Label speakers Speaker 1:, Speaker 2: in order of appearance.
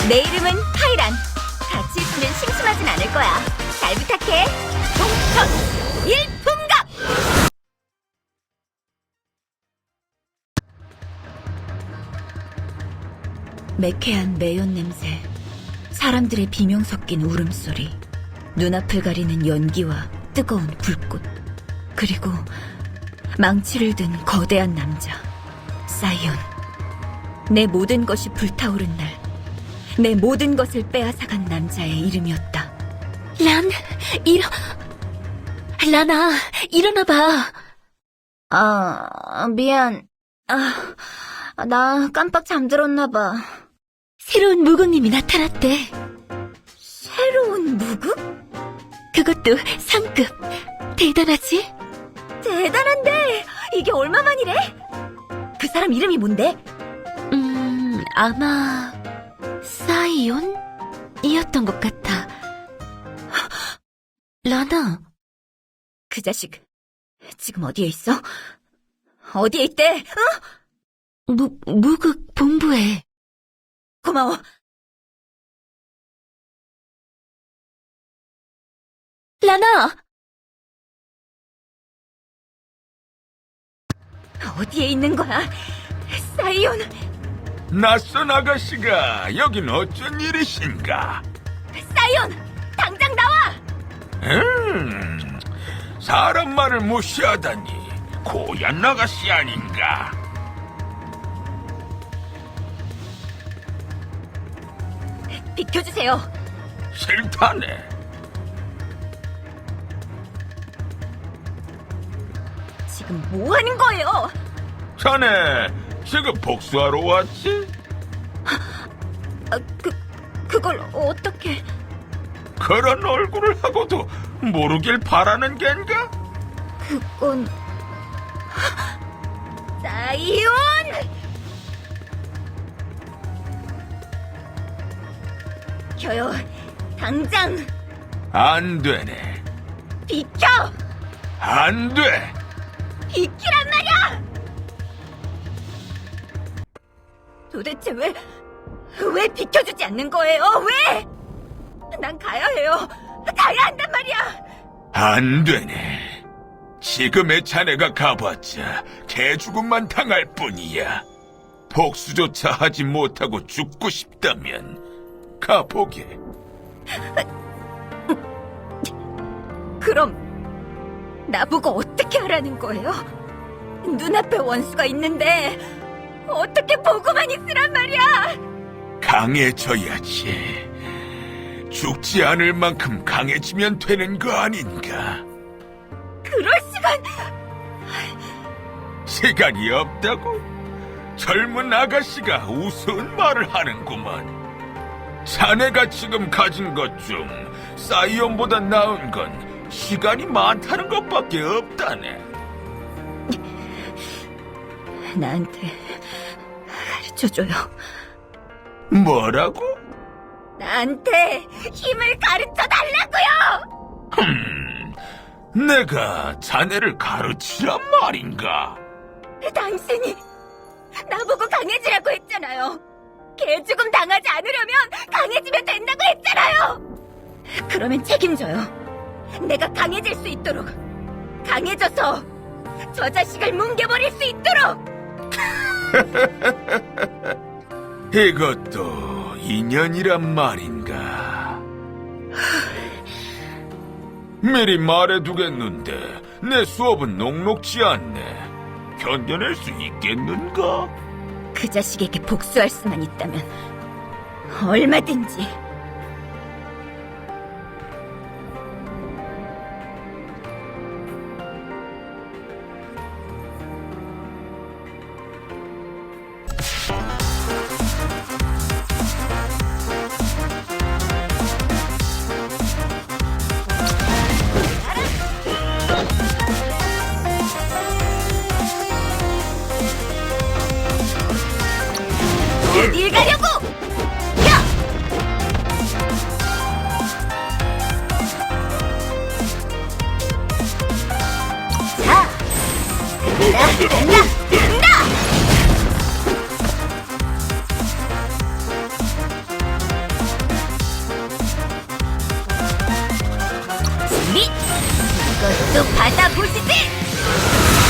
Speaker 1: 내 이름은 카이란. 같이 있으면 심심하진 않을 거야. 잘 부탁해. 동천 일품각! 매캐한 매연 냄새, 사람들의 비명 섞인 울음소리, 눈앞을 가리는 연기와 뜨거운 불꽃, 그리고 망치를 든 거대한 남자, 사이온. 내 모든 것이 불타오른 날, 내 모든 것을 빼앗아간 남자의 이름이었다.
Speaker 2: 라나, 일어나봐.
Speaker 1: 미안. 나 깜빡 잠들었나봐.
Speaker 2: 새로운 무국님이 나타났대.
Speaker 1: 새로운 무국?
Speaker 2: 그것도 상급. 대단하지?
Speaker 1: 대단한데, 이게 얼마만이래? 그 사람 이름이 뭔데?
Speaker 2: 아마 사이온이었던 것 같아. 라나,
Speaker 1: 그 자식, 지금 어디에 있어? 어디에 있대?
Speaker 2: 무국 본부에.
Speaker 1: 고마워.
Speaker 2: 라나!
Speaker 1: 어디에 있는 거야? 사이온!
Speaker 3: 낯선 아가씨가 여긴 어쩐 일이신가?
Speaker 1: 사이온! 당장 나와!
Speaker 3: 사람 말을 무시하다니 고얀 아가씨 아닌가?
Speaker 1: 비켜주세요.
Speaker 3: 싫다네.
Speaker 1: 지금 뭐 하는 거예요?
Speaker 3: 자네 지금 복수하러 왔지?
Speaker 1: 그걸 어떻게...
Speaker 3: 그런 얼굴을 하고도 모르길 바라는 겐가?
Speaker 1: 그건... 사이온! 비켜요. 당장
Speaker 3: 안 되네.
Speaker 1: 비켜!
Speaker 3: 안 돼.
Speaker 1: 비키란 말이야! 도대체 왜 비켜주지 않는 거예요? 왜? 난 가야 해요. 가야 한단 말이야.
Speaker 3: 안 되네. 지금의 자네가 가봤자 개죽음만 당할 뿐이야. 복수조차 하지 못하고 죽고 싶다면 가보게.
Speaker 1: 그럼 나보고 어떻게 하라는 거예요? 눈앞에 원수가 있는데 어떻게 보고만 있으란 말이야?
Speaker 3: 강해져야지. 죽지 않을 만큼 강해지면 되는 거 아닌가?
Speaker 1: 그럴 시간...
Speaker 3: 시간이 없다고? 젊은 아가씨가 우스운 말을 하는구만. 자네가 지금 가진 것 중 사이온보다 나은 건 시간이 많다는 것밖에 없다네.
Speaker 1: 나한테 가르쳐줘요.
Speaker 3: 뭐라고?
Speaker 1: 나한테 힘을 가르쳐 달라고요!
Speaker 3: 내가 자네를 가르치란 말인가?
Speaker 1: 당신이 나보고 강해지라고 했잖아요. 개죽음 당하지 않으려면 강해지면 된다고 했잖아요. 그러면 책임져요. 내가 강해질 수 있도록, 강해져서 저 자식을 뭉개버릴 수 있도록.
Speaker 3: 이것도 인연이란 말인가? 미리 말해두겠는데 내 수업은 녹록지 않네. 견뎌낼 수 있겠는가?
Speaker 1: 그 자식에게 복수할 수만 있다면 얼마든지. 어딜 가려고! 야! 자, 간다! 이것도 받아보시지!